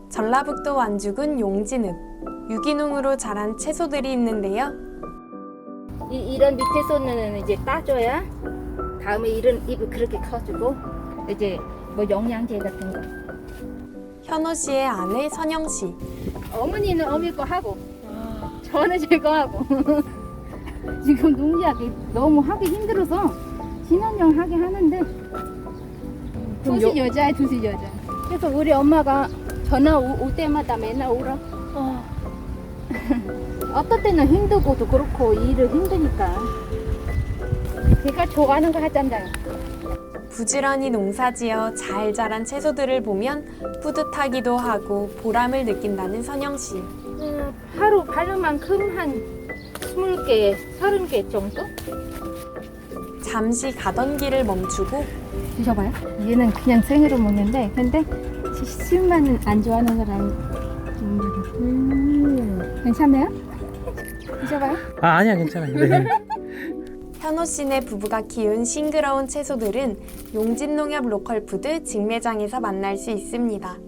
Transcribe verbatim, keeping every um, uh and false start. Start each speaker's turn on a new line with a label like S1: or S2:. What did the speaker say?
S1: 전라북도 완주군 용진읍, 유기농으로 자란 채소들이 있는데요.
S2: 이, 이런 밑에서는 이제 따줘야 다음에 이런 잎이 그렇게 커지고 이제 뭐 영양제 같은 거.
S1: 현호 씨의 아내 선영 씨.
S2: 어머니는 어미 거 하고 저는 제 거 하고 지금 농약이 너무 하기 힘들어서 신혼여행 하게 하는데 둘이 여자야 둘이 여자. 그래서 우리 엄마가 전화 오, 올 때마다 맨날 울어. 어. 어떤 때는 힘들고도 그렇고 일을 힘드니까 제가 좋아하는 거 하잖아요.
S1: 부지런히 농사지어 잘 자란 채소들을 보면 뿌듯하기도 하고 보람을 느낀다는 선영 씨.
S2: 어, 하루 바른 만큼 한 스물 개, 서른 개 정도?
S1: 잠시 가던 길을 멈추고
S2: 드셔봐요. 얘는 그냥 생으로 먹는데 근데 씨만 안 좋아하는 사람 음, 괜찮나요? 드셔봐요.
S3: 아 아니야 괜찮아요. 네.
S1: 현호 씨네 부부가 키운 싱그러운 채소들은 용진농협 로컬푸드 직매장에서 만날 수 있습니다.